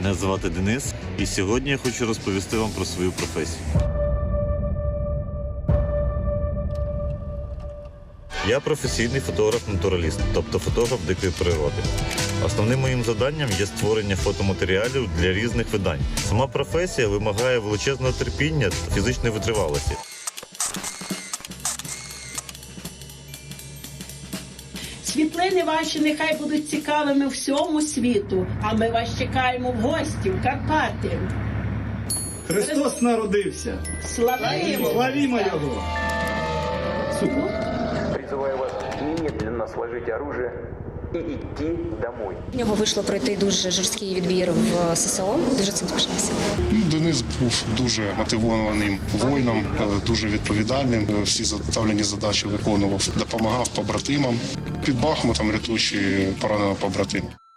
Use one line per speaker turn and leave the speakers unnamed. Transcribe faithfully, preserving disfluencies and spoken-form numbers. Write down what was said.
Мене звати Денис, і сьогодні я хочу розповісти вам про свою професію. Я професійний фотограф-натураліст, тобто фотограф дикої природи. Основним моїм завданням є створення фотоматеріалів для різних видань. Сама професія вимагає величезного терпіння та фізичної витривалості.
Світлини ваші нехай будуть цікавими всьому світу, а ми вас чекаємо в гості в Карпати.
Христос народився.
Славимо!
Славімо Його!
Призываю вас немедленно сложить оружие и идти домой.
У нього вийшло пройти дуже жорсткий відбір в ССО. Дуже цим пишався.
Денис був дуже мотивованим воїном, дуже відповідальним. Всі заставлені задачі виконував, допомагав побратимам. Під Бахмутом рятуючи пораненого побратима.